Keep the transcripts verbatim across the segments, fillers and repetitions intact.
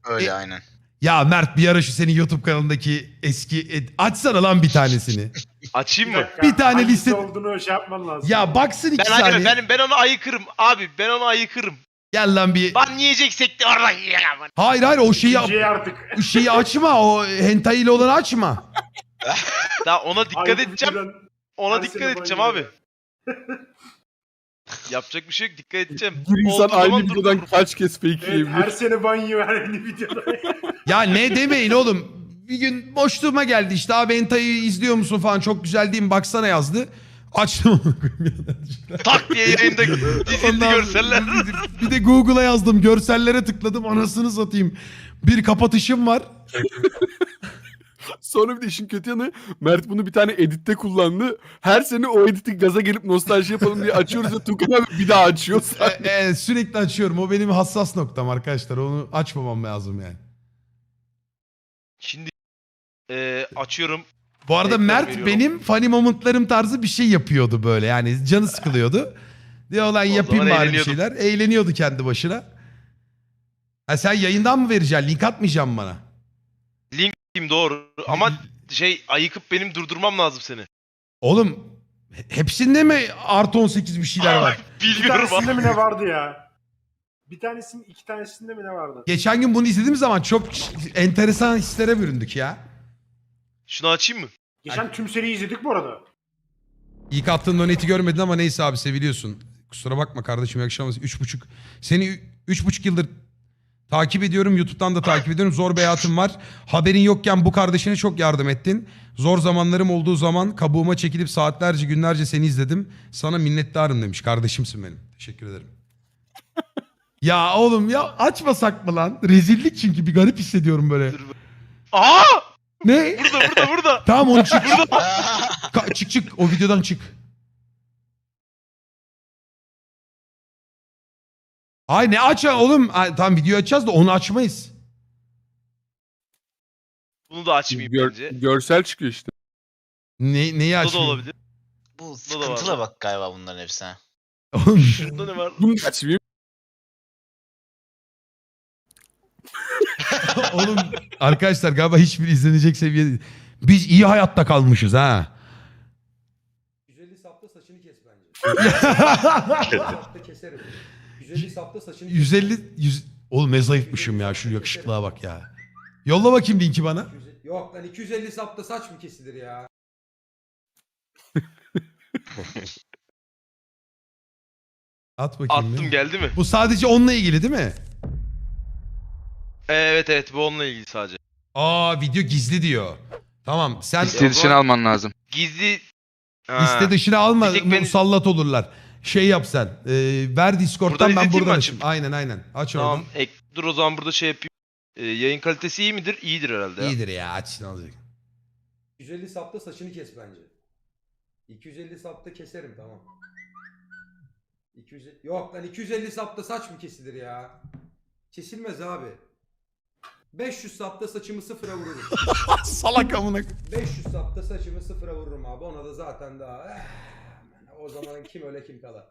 Öyle E- aynen. Ya Mert bir ara şu senin YouTube kanalındaki eski... e, açsana lan bir tanesini. Açayım mı? dakika, Bir tane hangisi liste- olduğunu şey yapman lazım. Ya baksın iki Ben saniye. abi ben, ben onu ayıkırım abi ben onu ayıkırım. Gel lan bir... Ban yiyeceksek de orada yiyemem. Hayır hayır o şeyi, İkinciyi artık. şeyi açma. O hentai ile olanı açma. Daha ona dikkat Aynı edeceğim. videodan Ona her dikkat sene edeceğim ban abi. yiyor. Yapacak bir şey yok dikkat edeceğim. Bir insan Olduğu aynı zaman videodan durdururum. kaç kez fake Evet, her yiyebilir? sene ban yiyor her yeni videoda. Ya ne demeyin oğlum. Bir gün boşluğuma geldi işte abi hentai'yi izliyor musun falan çok güzel değil mi baksana yazdı. Açtım. Tak diye yayında dizildi Ondan- görseller. Bir de Google'a yazdım görsellere tıkladım anasını satayım. Bir kapatışım var. Sonra bir de işin kötü yanı Mert bunu bir tane editte kullandı. Her sene o editi gaza gelip nostalji yapalım diye açıyoruz ve Tukan abi bir daha açıyor. E, e, sürekli açıyorum o benim hassas noktam arkadaşlar onu açmamam lazım yani. Şimdi eee açıyorum. Bu arada Ekran Mert veriyorum. benim funny momentlarım tarzı bir şey yapıyordu böyle yani canı sıkılıyordu. Diyor lan yapayım zaman bari bir eğleniyordum. şeyler. Eğleniyordu kendi başına. Ha sen yayından mı vereceksin? Link atmayacaksın bana. Link doğru ama şey ayıkıp benim durdurmam lazım seni. Oğlum he- hepsinde mi artı on sekiz bir şeyler var? Bir Bilmiyorum tanesinde abi. mi ne vardı ya? Bir tanesinin iki tanesinde mi ne vardı? Geçen gün bunu izlediğim zaman çok enteresan hislere büründük ya. Şunu açayım mı? Geçen tüm seriyi izledik bu arada. İlk attığın doneti görmedin ama neyse abi seviliyorsun. Kusura bakma kardeşim iyi akşamlar. Üç buçuk. Seni üç buçuk yıldır takip ediyorum. YouTube'dan da takip ediyorum. Zor bir hayatım var. Haberin yokken bu kardeşine çok yardım ettin. Zor zamanlarım olduğu zaman kabuğuma çekilip saatlerce günlerce seni izledim. Sana minnettarım demiş. Kardeşimsin benim. Teşekkür ederim. Ya oğlum ya açmasak mı lan? Rezillik çünkü bir garip hissediyorum böyle. Aa! Ne? Burada burada burada. Tamam onu çık. Ka- çık çık o videodan çık. Ay ne aç oğlum? Ay, tamam video açacağız da onu açmayız. Bunu da açmayayım Gör- bence. görsel çıkıyor işte. Ne, neyi Bu da açmayayım? olabilir. Bu da var. sıkıntılı bak galiba bunların hepsine. Oğlum, Şurada ne var? Bunu da açmayayım. oğlum arkadaşlar galiba hiçbir izlenecek seviyede değil. Biz iyi hayatta kalmışız ha. yüz elli sapta saçını kes bence. yüz elli sapta keserim. yüz elli sapta saçını kes. yüz elli yüz oğlum ne zayıfmışım ya şu yakışıklığa bak ya. Yolla bakayım linki bana. Yok lan iki yüz elli sapta saç mı kesilir ya? At bakayım. Attım bir. geldi mi? Bu sadece onunla ilgili değil mi? Evet evet bu onunla ilgili sadece. Aa video gizli diyor. Tamam sen Liste dışına alman lazım. Gizli... Ha. liste dışına alma Bir tek ben- musallat olurlar. Şey yap sen. E, ver Discord'dan Buradan ben izleteyim buradan mi açayım. açıp? Aynen aynen. Aç Tamam oradan. ek, dur o zaman burada şey yapayım. Ee, yayın kalitesi iyi midir? İyidir herhalde ya. İyidir ya aç ne olacak. yüz elli sapta saçını kes bence. iki yüz elli sapta keserim tamam. iki yüz Yok lan iki yüz elli sapta saç mı kesilir ya? Kesilmez abi. beş yüz sapta saçımı sıfıra vururum. Salak amına. beş yüz sapta saçımı sıfıra vururum abi. Ona da zaten daha... eh, o zaman kim öyle kim kala.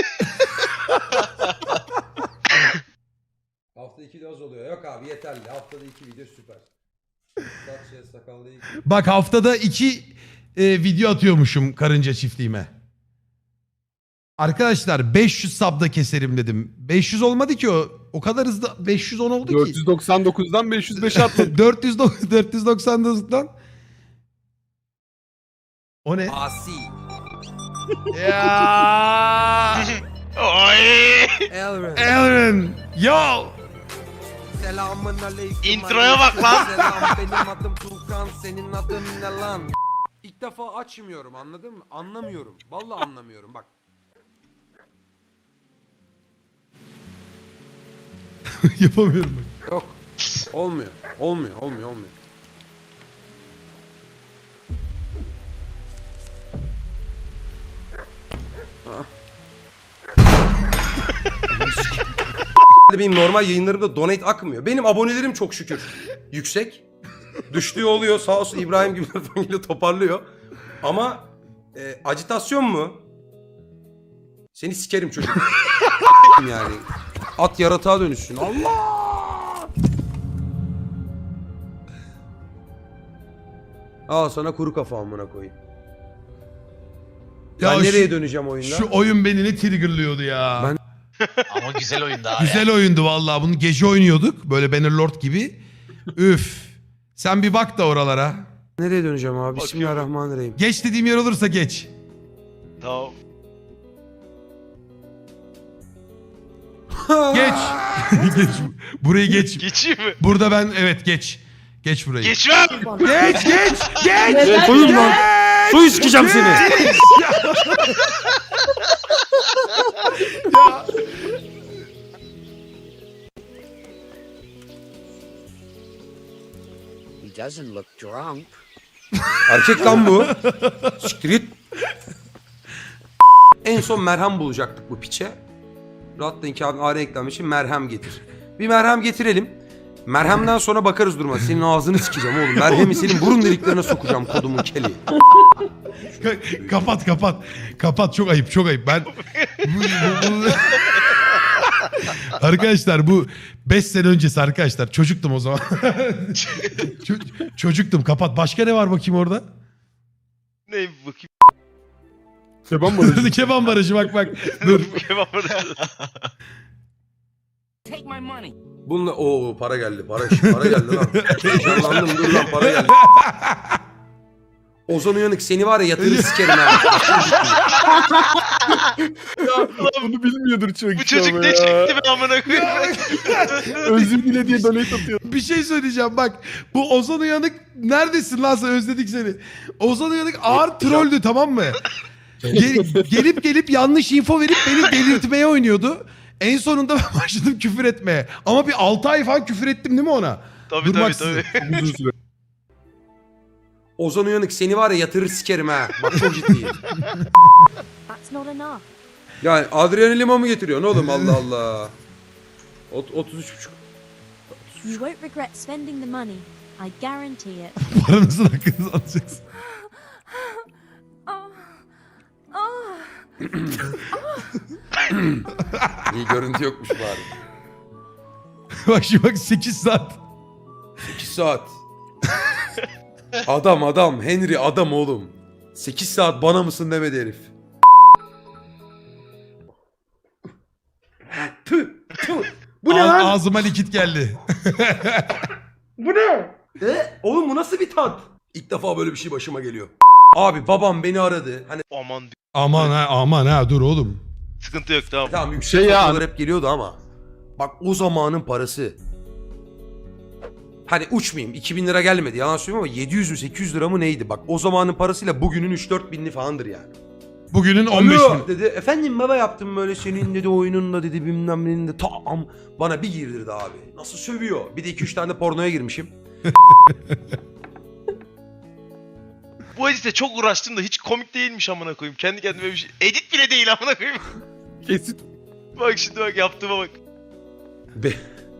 Hafta iki de az oluyor. Yok abi yeterli. Haftada iki video süper. Saç ya sakallı iki. Bak haftada iki e, video atıyormuşum karınca çiftliğime. Arkadaşlar beş yüz sabda keserim dedim. beş yüz olmadı ki o. O kadar hızlı beş yüz on oldu dört ki. yüz doksan dokuzdan beş yüz beşe atladı. dört yüz dört yüz doksan dokuzdan. O ne? Asi. Ya. Oy! Elren. Aaron. Yo. Selamın aleyküm. Introya bak lan. Selam benim adım Tuğkan. Senin adın ne lan? İlk defa açmıyorum anladın mı? Anlamıyorum. Vallahi anlamıyorum bak. Yapamıyorum bak. Yok. Olmuyor. Olmuyor. Olmuyor. Olmuyor. Benim normal yayınlarımda donate akmıyor. Benim abonelerim çok şükür yüksek. Düştüğü oluyor sağ olsun İbrahim gibi ile toparlıyor. Ama e, acitasyon mu? Seni sikerim çocuk. Yani at yaratığa dönüşsün. Allah! Al sana kuru kafa amına koyayım. Ya ben şu- nereye döneceğim oyunda? Şu oyun beni ne triggerlıyordu ya. Ben- Ama güzel oyun daha Güzel ya. oyundu vallahi. Bunu gece oynuyorduk. Böyle Bannerlord gibi. Üf. Sen bir bak da oralara. Nereye döneceğim abi? Bakıyorum. Bismillahirrahmanirrahim. Geç dediğim yer olursa geç. Tamam. Geç. geç. Burayı geç. Geçeyim mi? Burada ben evet geç. Geç burayı. Geçmem. Geç geç geç. Evet, koyun lan. Su içeceğim seni. He doesn't look drunk. Erkek lan bu. Siktir git. En son merhem bulacaktık bu piçe. Rahatlayın ki abi ağrı eklenmiş için merhem getir. Bir merhem getirelim. Merhemden sonra bakarız duruma. Senin ağzını sikeceğim oğlum. Merhemi senin burun deliklerine sokacağım kodumun keli. Ka- kapat kapat. Kapat çok ayıp çok ayıp. Ben bu, bu- bu- Arkadaşlar bu beş sene öncesi arkadaşlar. Çocuktum o zaman. Ço- çocuktum kapat. Başka ne var bakayım orada? Ne bakayım. Keban barajı. Keban barajı bak bak. Dur. Kebap arası. Take my money. Bununla o para geldi. Para para geldi lan. Heyecanlandım dur lan para geldi. Ozan Uyanık seni var ya yatırır sikerim ha. Ya, bunu bilmiyordur çok Bu çocuk ne çekti be amına koyayım. Özür dile diye donate atıyor. Bir şey söyleyeceğim bak. Bu Ozan Uyanık neredesin lan sen özledik seni. Ozan Uyanık ağır trolldü tamam mı? Gel- gelip gelip yanlış info verip beni delirtmeye oynuyordu. En sonunda ben başladım küfür etmeye. Ama bir altı ay falan küfür ettim değil mi ona? Tabii Durmaksızın. tabii tabii. Uzun süre. Ozan Uyanık seni var ya yatırır sikerim ha. Bak çok ciddiyim. That's not enough. Yani Adrian Lima mı getiriyorsun oğlum Allah Allah. Ot- otuz üç buçuk. You won't regret spending the money. I guarantee it. Paranızın hakkınızı alacaksın. Oh. Oh. İyi görüntü yokmuş bari. Bak şimdi bak sekiz saat. sekiz saat. Adam adam Henry adam oğlum. sekiz saat bana mısın demedi herif. Tüh, tüh. Bu ne Ağ- lan? Ağzıma likit geldi. Bu ne? E? Oğlum bu nasıl bir tat? İlk defa böyle bir şey başıma geliyor. Abi babam beni aradı. Hani Aman Aman ha aman ha dur oğlum. sıkıntı yok tamam. tamam yüksek Şey ya- faturalar hep geliyordu ama. Bak o zamanın parası. Hani uçmayayım iki bin lira gelmedi yalan söylüyorum ama yedi yüz mü sekiz yüz lira mı neydi? Bak o zamanın parasıyla bugünün üç dört binli falandır yani. Bugünün on beş Alo bin. dedi. Efendim baba yaptım böyle senin dedi oyununla dedi bilmem nenin de tam bana bir girdirdi abi. Nasıl sövüyor. Bir de iki üç tane de pornoya girmişim. Bu edite çok uğraştım da hiç komik değilmiş amına koyayım. Kendi kendime bir şey. Edit bile değil amına koyayım. Kesit. Bak şimdi bak yaptığıma bak. Be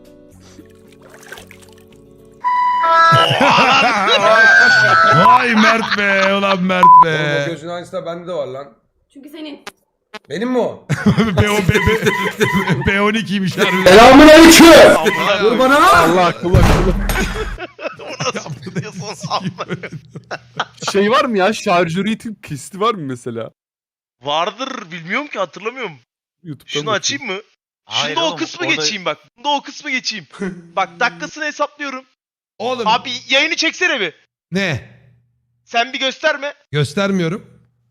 Vay Mert be ulan Mert be. gözün aynısı da bende de var lan. Çünkü senin. Benim mi o? B on B on ikiymiş harbiden. Selamun aleyküm. Amına Dur koyayım. bana. Allah akıllı akıllı. Diyorsun amına. Şey var mı ya? Şarjörü pisti var mı mesela? Vardır bilmiyorum ki hatırlamıyorum. YouTube'dan Şunu bakayım. açayım mı? Hayır Şunda o oğlum, kısmı orada- geçeyim bak. Bunda o kısmı geçeyim. Bak dakikasını hesaplıyorum. Oğlum. Abi yayını çeksene bir. Ne? Sen bir gösterme. Göstermiyorum.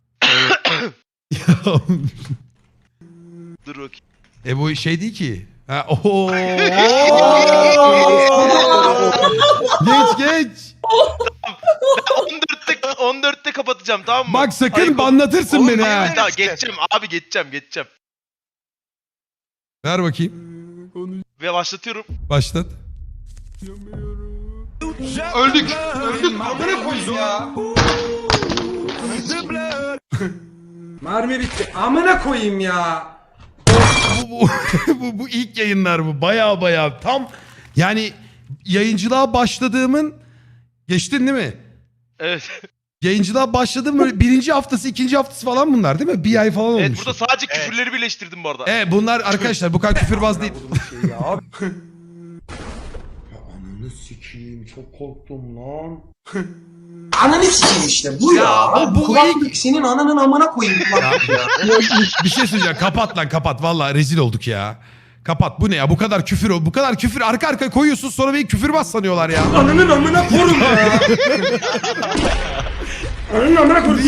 Dur bakayım. e bu şey değil ki. Ha, oho. geç geç. on dörtte on dörtte kapatacağım tamam mı? Bak sakın Ayıp ol- banlatırsın Oğlum, beni hayır, ha. daha geçeceğim abi geçeceğim geçeceğim. Ver bakayım. Ve başlatıyorum. Başlat. Öldük. Öldük. Amına koyayım ya. Mermi bitti. Amına koyayım ya. bu, bu, bu, bu ilk yayınlar bu. Baya baya tam yani yayıncılığa başladığımın geçtin değil mi? Evet. Yayıncılığa başladığım böyle birinci haftası ikinci haftası falan bunlar değil mi? Bir ay falan olmuş. Evet burada sadece küfürleri birleştirdim bu arada. Evet bunlar arkadaşlar bu kadar küfürbaz değil. Şey ya abi. Ananı sikeyim çok korktum lan. Ananı sikeyim işte bu ya. Ya bu Kulaklık senin ananın amına koyayım kulaklık ya. Bir şey söyleyeceğim. Kapat lan kapat. Vallahi rezil olduk ya. Kapat. Bu ne ya? Bu kadar küfür o. Bu kadar küfür arka arkaya koyuyorsun sonra beni küfürbaz sanıyorlar ya. Ananın amına korum ya. Ananın amına korum.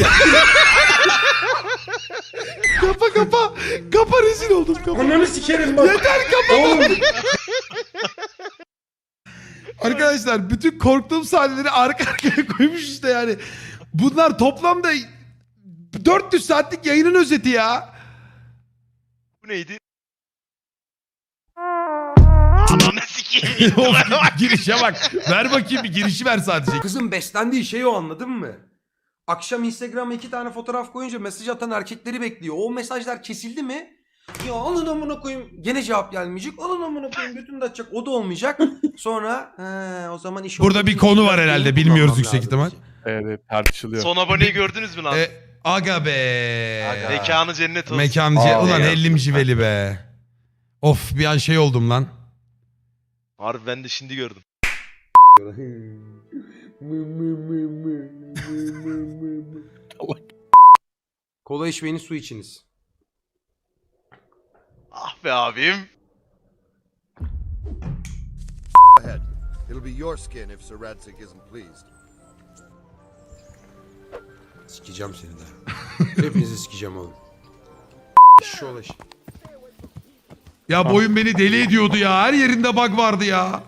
Kapa kapa. Kapa rezil oldum. Kapa. Ananı sikerim bak. Yeter kapa. Oğlum. Arkadaşlar bütün korktuğum sahneleri arka arkaya koymuş işte yani. Bunlar toplamda dört yüz saatlik yayının özeti ya. Bu neydi? Ananı sikeyim. Of, girişe bak. Ver bakayım bir girişi ver sadece. Kızın beslendiği şey o, anladın mı? Akşam Instagram'a iki tane fotoğraf koyunca mesaj atan erkekleri bekliyor. O mesajlar kesildi mi? Ya alın amına koyayım. Gene cevap gelmeyecek. Alın amına koyayım götünü de açacak. O da olmayacak. Sonra he, o zaman iş Burada bir konu var herhalde. Bilmiyoruz yüksek ihtimal. Evet tartışılıyor. Son aboneyi gördünüz mü lan? E, aga be. Aga. Mekanı cennet olsun. Mekancı. Aa, Ulan ya. ellim civeli be. Of bir an şey oldum lan. Harbi ben de şimdi gördüm. Kola içmeyiniz, su içiniz. Ah be abim. Ahead. It'll be your skin if Sir Radzig isn't pleased. Sikeceğim seni de. Hepinizi sikeceğim oğlum. Şu olaş. Ya bu oyun beni deli ediyordu ya. Her yerinde bug vardı ya.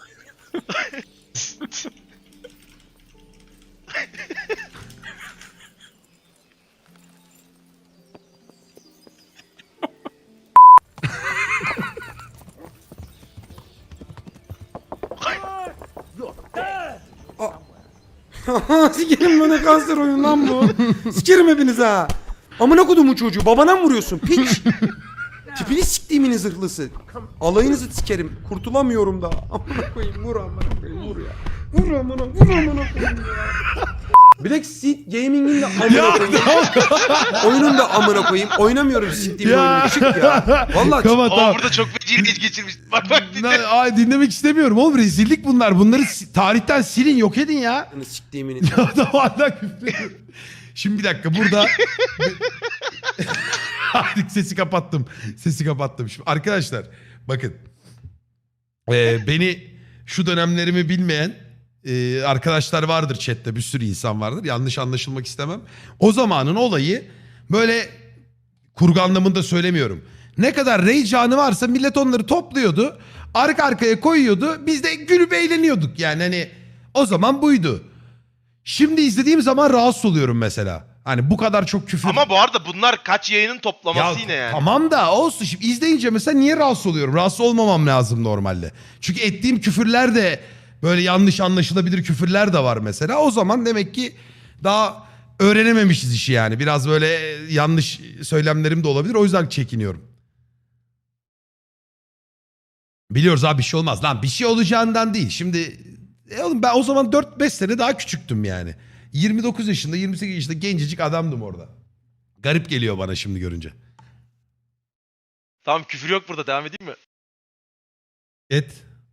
Sikerim bana kanser oyun lan bu. Sikerim hepiniz ha. Amına kodumun çocuğu, babana mı vuruyorsun piç? Tipini siktiğimin zırhlısı. Alayınızı sikerim. Kurtulamıyorum da. Amına koyayım, vur amına koyayım, vur ya. Vur amına, vur amına koyayım ya. Black Seed Gaming'in de amına koyayım. Oyunun da amına koyayım. Oynamıyorum siktiğim oyunu. Çık ya. Vallahi çık. Kapat Ama tamam. burada çok feci geç geçirmiş. Bak bak dinle. Na- Ay, dinlemek istemiyorum oğlum. Rezillik bunlar. Bunları si- tarihten silin, yok edin ya. Siktiğimin. Adam hala küfür ediyor. Şimdi bir dakika burada... Artık sesi kapattım. Sesi kapattım. Şimdi arkadaşlar bakın. Ee, beni şu dönemlerimi bilmeyen e, arkadaşlar vardır chatte. Bir sürü insan vardır. Yanlış anlaşılmak istemem. O zamanın olayı böyle kurgu anlamında söylemiyorum. Ne kadar rage anı varsa millet onları topluyordu. Arka arkaya koyuyordu. Biz de gülüp eğleniyorduk. Yani hani o zaman buydu. Şimdi izlediğim zaman rahatsız oluyorum mesela. Hani bu kadar çok küfür. Ama bu arada bunlar kaç yayının toplaması yine yani. Tamam da olsun. Şimdi izleyince mesela niye rahatsız oluyorum? Rahatsız olmamam lazım normalde. Çünkü ettiğim küfürler de böyle yanlış anlaşılabilir küfürler de var mesela. O zaman demek ki daha öğrenememişiz işi yani. Biraz böyle yanlış söylemlerim de olabilir. O yüzden çekiniyorum. Biliyoruz abi bir şey olmaz. Lan bir şey olacağından değil. Şimdi e oğlum ben o zaman dört beş sene daha küçüktüm yani. yirmi dokuz yaşında yirmi sekiz yaşında gencecik adamdım orada. Garip geliyor bana şimdi görünce. Tamam küfür yok burada, devam edeyim mi? Et.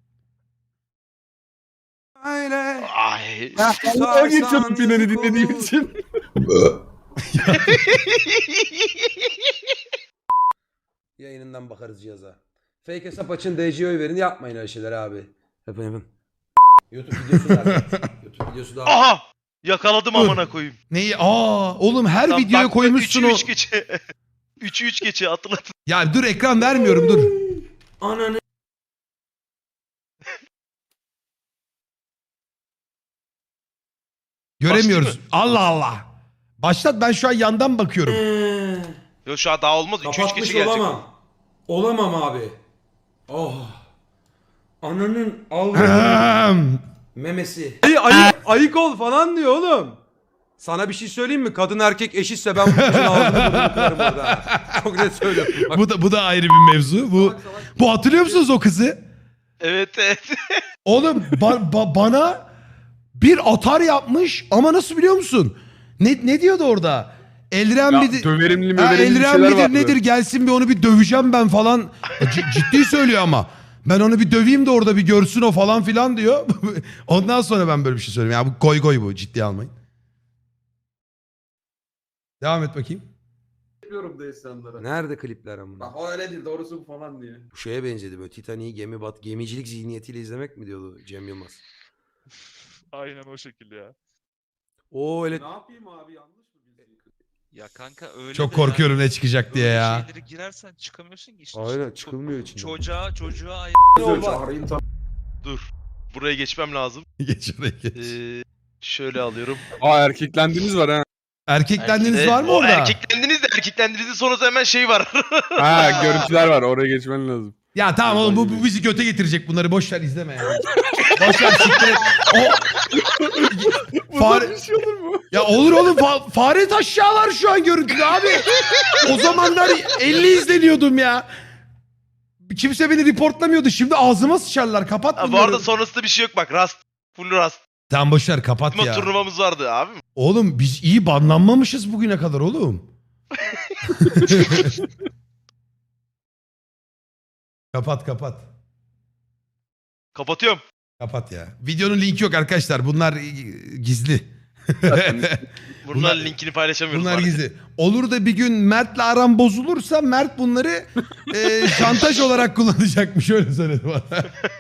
Öyle. Ay. Ben geçiyordum finali dinlediğim için. Yayınından bakarız cihaza. Fake hesap açın, D C'ye oy verin. Yapmayın öyle şeyler abi. Yapın yapın. YouTube videosu da. YouTube videosu da. Aha! Yakaladım amına koyayım. Neyi? Aa oğlum her Lan videoya bak, koymuşsun üçü o. üç geçe. üçü üç geçe hatırlatın. Ya dur ekran vermiyorum dur. Ananı. Göremiyoruz. Başladı Allah Allah. Başlat, ben şu an yandan bakıyorum. Yok şu an daha olmaz. üç üç Kapatmış geçe gelecek. olamam. Olamam abi. Oh. Ananın al Ahem. memesi. Ay, ayık, ayık ol falan diyor oğlum. Sana bir şey söyleyeyim mi? Kadın erkek eşitse ben bu kızın ağzını burnunu kırarım orada. Çok net söylüyorum. Bak, bu da bu da ayrı bir mevzu. Bu bu hatırlıyor musunuz o kızı? Evet evet. Oğlum ba- ba- bana bir atar yapmış ama nasıl biliyor musun? Ne ne diyordu orada? Eldiren Ya, bir döverimli Ha, möverimli bir Eldiren şeyler midir vardı. nedir gelsin bir onu bir döveceğim ben falan. C- ciddi söylüyor ama. Ben onu bir döveyim de orada bir görsün o falan filan diyor. Ondan sonra ben böyle bir şey söylüyorum. Ya bu goy goy bu, ciddiye almayın. Devam et bakayım. Yapıyorum da insanlara. Nerede klipler amına? Bak o öyle değil doğrusu bu falan diye. Bu şeye benzedi böyle Titanic'i gemi bat gemicilik zihniyetiyle izlemek mi diyordu Cem Yılmaz? Aynen o şekilde ya. O öyle Ne yapayım abi yanlış mı bildiğin? Ya kanka öyle Çok de korkuyorum yani ne çıkacak diye böyle ya. şeylere girersen çıkamıyorsun ki işte. Aynen, Ço- çıkılmıyor içinden. Çocuğa çocuğa ay- Çağırayım tamam. Dur. Buraya geçmem lazım. Geç oraya geç. Ee, şöyle alıyorum. Aa erkeklendiniz var ha. Erkeklendiniz Ee, var mı o orada? Erkeklendiniz de erkeklendiğinizin sonrası hemen şey var. Ha görüntüler var oraya geçmen lazım. Ya tamam oğlum bu, bu bizi göte getirecek, bunları boş ver izleme ya. Boş ver siktir et. O... Fare... Bir şey olur mu? Ya olur oğlum fa- fare taşyalar şu an görüntüde abi. O zamanlar elli izleniyordum ya. Kimse beni reportlamıyordu. Şimdi ağzıma sıçarlar. Kapat Ha, bunları. bu arada sonrasında bir şey yok bak. Rast. Full rast. Tamam boş ver kapat Bizim ya. turnuvamız vardı abi. Oğlum biz iyi banlanmamışız bugüne kadar oğlum. Kapat kapat. Kapatıyorum. Kapat ya. Videonun linki yok arkadaşlar. Bunlar gizli. Bunlar, Bunlar- linkini paylaşamıyoruz. Bunlar maalesef. gizli. Olur da bir gün Mert'le aram bozulursa Mert bunları e, şantaj olarak kullanacakmış. Öyle söyledi bana.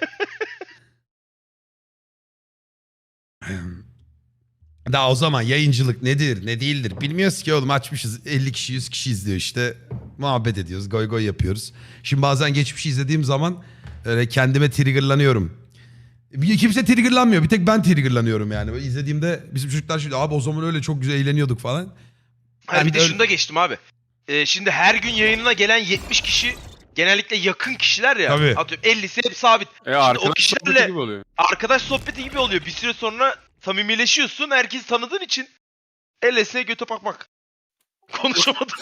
Daha o zaman yayıncılık nedir ne değildir bilmiyoruz ki oğlum, açmışız elli kişi yüz kişi izliyor işte, muhabbet ediyoruz, goy goy yapıyoruz. Şimdi bazen geçmişi izlediğim zaman öyle kendime triggerlanıyorum. Bir- Kimse triggerlanmıyor, bir tek ben triggerlanıyorum yani. Böyle izlediğimde bizim çocuklar şimdi abi o zaman öyle çok güzel eğleniyorduk falan. Ha, Ben bir de öyle- şunu da geçtim abi. Ee, şimdi her gün yayınına gelen yetmiş kişi genellikle yakın kişiler ya. Tabii. Atıyorum ellisi hep sabit. E arkadaş kişilerle- sohbeti gibi oluyor. Arkadaş sohbeti gibi oluyor. Bir süre sonra samimileşiyorsun. Herkesi tanıdığın için L S göte bakmak. Konuşamadım.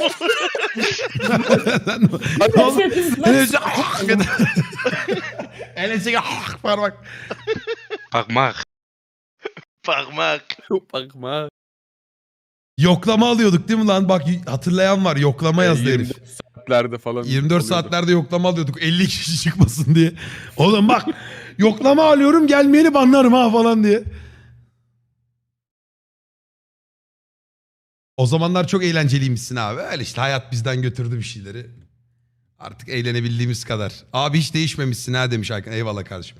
Oğlum, Enes'e Enes'e parmak. Bakmak. Bakmak. Bakma. Yoklama alıyorduk değil mi lan? Bak hatırlayan var, yoklama yazdı herif. yirmi dört saatlerde falan. yirmi dört oluyordu. saatlerde yoklama alıyorduk. elli kişi çıkmasın diye. Oğlum bak yoklama alıyorum, gelmeyeni banlarım ha falan diye. O zamanlar çok eğlenceliymişsin abi. Öyle işte hayat bizden götürdü bir şeyleri. Artık eğlenebildiğimiz kadar. Abi hiç değişmemişsin ha demiş Hakan. Eyvallah kardeşim.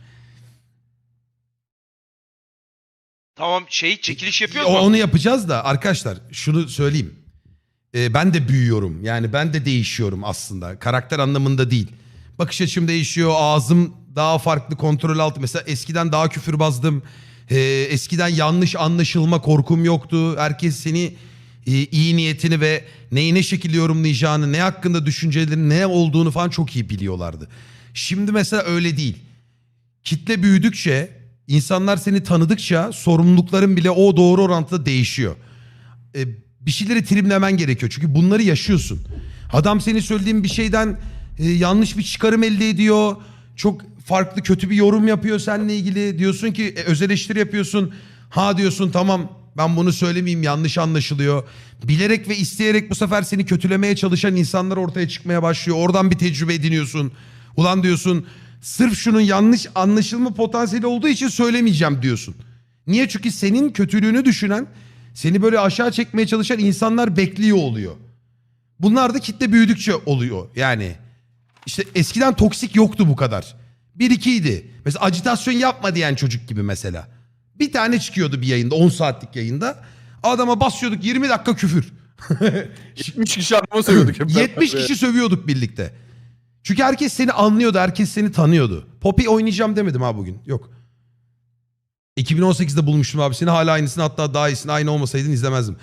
Tamam şey çekiliş yapıyor O- mu? Onu yapacağız da arkadaşlar şunu söyleyeyim. Ee, ben de büyüyorum. Yani ben de değişiyorum aslında. Karakter anlamında değil. Bakış açım değişiyor. Ağzım daha farklı, kontrol altı. Mesela eskiden daha küfürbazdım. Ee, eskiden yanlış anlaşılma korkum yoktu. Herkes seni e, iyi niyetini ve neyi ne şekilde yorumlayacağını, ne hakkında düşüncelerin ne olduğunu falan çok iyi biliyorlardı. Şimdi mesela öyle değil. Kitle büyüdükçe, insanlar seni tanıdıkça sorumlulukların bile o doğru orantıda değişiyor. Ee, bir şeyleri trimlemen gerekiyor. Çünkü bunları yaşıyorsun. Adam senin söylediğin bir şeyden e, yanlış bir çıkarım elde ediyor. Çok farklı kötü bir yorum yapıyor seninle ilgili. Diyorsun ki e, öz eleştiri yapıyorsun. Ha diyorsun tamam ben bunu söylemeyeyim, yanlış anlaşılıyor. Bilerek ve isteyerek bu sefer seni kötülemeye çalışan insanlar ortaya çıkmaya başlıyor. Oradan bir tecrübe ediniyorsun. Ulan diyorsun sırf şunun yanlış anlaşılma potansiyeli olduğu için söylemeyeceğim diyorsun. Niye? Çünkü senin kötülüğünü düşünen, seni böyle aşağı çekmeye çalışan insanlar bekliyor oluyor. Bunlar da kitle büyüdükçe oluyor. Yani işte eskiden toksik yoktu bu kadar. Bir ikiydi. Mesela ajitasyon yapma diyen çocuk gibi mesela. Bir tane çıkıyordu bir yayında, on saatlik yayında. Adama basıyorduk yirmi dakika küfür. yetmiş kişi adama söylüyorduk hep. yetmiş kişi sövüyorduk birlikte. Çünkü herkes seni anlıyordu, herkes seni tanıyordu. Poppy oynayacağım demedim ha bugün. Yok. iki bin on sekizde bulmuştum abi seni. Hala aynısını, hatta daha iyisini. Aynı olmasaydın izlemezdim.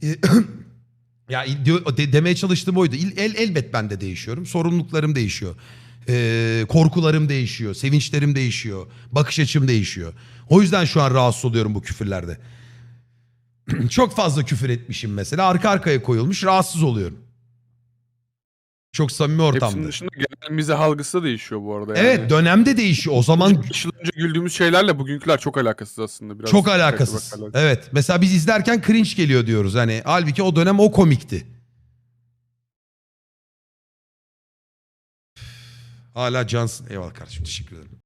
Ya diyor, de, demeye çalıştığım oydu. El, elbet ben de değişiyorum. Sorumluluklarım değişiyor. Ee, korkularım değişiyor. Sevinçlerim değişiyor. Bakış açım değişiyor. O yüzden şu an rahatsız oluyorum bu küfürlerde. Çok fazla küfür etmişim mesela. Arka arkaya koyulmuş. Rahatsız oluyorum. Çok samimi ortamda. Hepsinin dışında genel mizah algısı da değişiyor bu arada. Evet, yani. dönemde değişiyor. O zaman beş yıl önce güldüğümüz şeylerle bugünküler çok alakasız aslında. Biraz çok alakasız. bakarlar. Evet. Mesela biz izlerken cringe geliyor diyoruz. Hani halbuki o dönem o komikti. Hala cansın. Eyvallah kardeşim, teşekkür ederim.